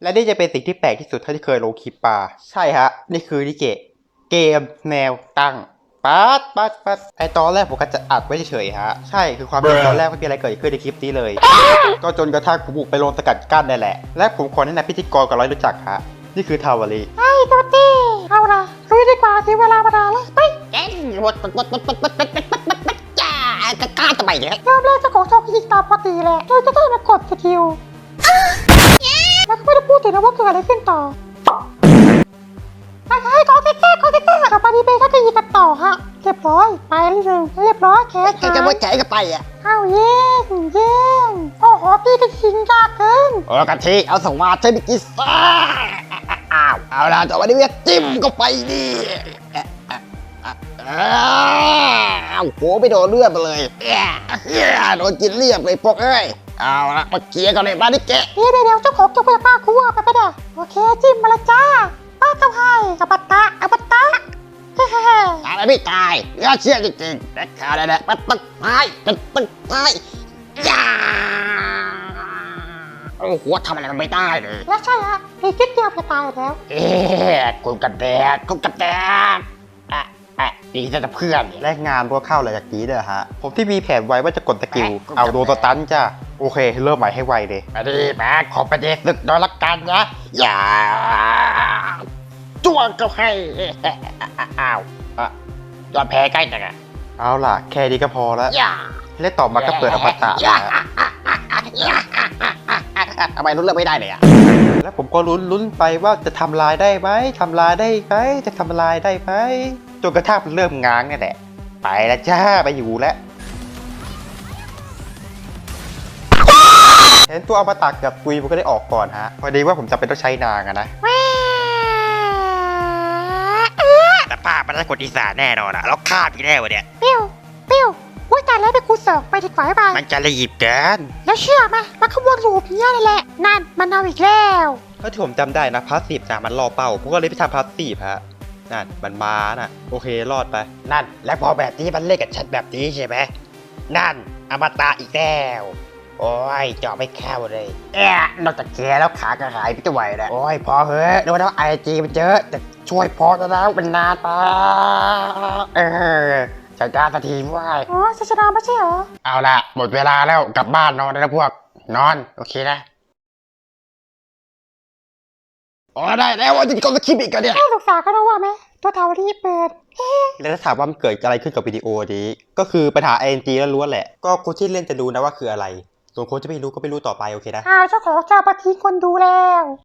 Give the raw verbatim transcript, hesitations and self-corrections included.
และนี่จะเป็นสิ่งที่แปลกที่สุดเท่าที่เคยลงคลิปมาใช่ฮะนี่คือนิเกะเกมแนวตั้งปัดปัดปัดไอตอนแรกผมก็จะอัดไว้เฉยๆฮะใช่คือความจริงตอนแรกไม่มีอะไรเกิดขึ้นในคลิปนี้เลยก็จนกระทั่งผมบุกไปโรงสกัดกั้นนั่นแหละและผมขอแนะนำพิธีกรกับร้อยรู้จักฮะนี่คือทาวารีไอ้ตัวเต้เอาละลุยดีกว่าเสียเวลามานานแล้วไปเอ็นวดวดวดวดวดวดวดวดวดวดจ้าจะกล้าทำไมเนี่ยเริ่มแรกเจ้าของช่องยิงตามปกติแหละโดยจะได้มากดสกิลแล้วก็ไม่ได้พูดถึงนะว่าเกิดอะไรขึ้นต่อไอ้ไอ้กองเต้เต้กองเต้เต้กลับมาดีเบย์ก็จะยิงกันต่อฮะเรียบร้อยไปแล้วหนึ่งเรียบร้อยแค่แกจะว่าแกก็ไปอ่ะเอาเย่งเย่งโอ้โหพี่ก็ชิงยากเกินโอ้กะทิเอาสว่าใช้บิกิซ่าอ้าวเอาละแต่วันนี้เวียจิ้มก็ไปดิอ้าวโหไม่โดนเลือดไปเลยโดนกินเรียบเลยพวกเอ้ยเอาละมาเกียร์กันเลยบ้านนี่แกเดี๋ยวเดี๋ยวเจ้าของจงไปป้ากูอ่ะไปไปเด้อโอเคจิ้มมาเลยจ้าป้าเก้าให้กับปัตตะกับปัตตะเฮ้เฮ้เฮ้ตายไม่ตายเลือดเชี่ยจริงๆแต่ข่าวแหละมันตึกตายมันตึกตายย่าโอ้โหทำอะไรมันไม่ได้เลยแล้วใช่ฮะมีคิดเดียวจะตายแล้วเอ๊ะคุณกระแดดคุณกระแดดอ่ะอ่ะดีจะเพื่อนแลกงานก็เข้าหลังจากนี้เด้อฮะผมที่มีแผนไว้ว่าจะกดสกิลเอาโดนสตันจ้ะโอเคเริ่มใหม่ให้ไวเลยมาดีแม่ขอไปเด็กศึกนอนละกันนะอย่าจ้วงก็ให้อ้าวอ่ะยอดแพ้ใกล้จังอะเอาล่ะแค่นี้ก็พอแล้วอย่าและต่อมาก็เปิดอมตะอย่านะฮะทำไมรู้เรื่องไม่ได้เลยอ่ะแล้วผมก็ลุ้นลุ้นไปว่าจะทำลายได้ไหมทำลายได้ไหมจะทำลายได้ไหมจนกระทั่งมันเริ่มง้างนี่แหละไปแล้วจ้าไปอยู่แล้วเห็นตัวอมตะกับกุยมันก็ได้ออกก่อนฮะพอดีว่าผมจะเป็นต้องใช้นางอะนะแต่ป้ามันได้กดอีสานแน่นอนอ่ะแล้วฆ่าพี่แน่วะเนี่ยปิ้วปิ้วอุ้ยตายแล้วไปคูสองไปดีกว่าไปมันจะระยิบกันแล้วเชื่อไหมมันขบวนรูปเนี้ยนั่นแหละนั่นมันเอาอีกแล้วถ้าที่ผมจำได้นะพาสซีฟจากมันรอเป้าผมก็เลยไปทำพาสซีฟฮะนั่นมันมาน่ะโอเครอดไปนั่นและพอแบบนี้มันเล่นกับฉันแบบนี้ใช่ไหมนั่นอมตะอีกแล้วโอ้ยเจาะไม่เข้าเลยแอะนอกจากแกแล้วขากระหายพี่จะไหวแล้วโอ้ยพอเหอะดูแล้วไอจีมันเยอะแต่ช่วยพอแล้วเป็นนานไปเออจัดการสักทีว่าอ๋อศาสนาไม่ใช่เหรอเอาละหมดเวลาแล้วกลับบ้านนอนได้แล้วพวกนอนโอเคนะอ๋อได้แล้วว่าจะกดคลิปอีกกันเนี่ยแค่ศึกษาก็รู้ว่าไหมตัวเทารีเปิดแล้วถ้าถามว่ามันเกิดอะไรขึ้นกับวิดีโอนี้ก็คือปัญหา เอ็น จี ล้วนๆแหละก็คนที่เล่นจะรู้นะว่าคืออะไรส่วนคนที่ไม่รู้ก็ไม่รู้ต่อไปโอเคนะอ้าวเจ้าของจะมาทิ้งคนดูแล้ว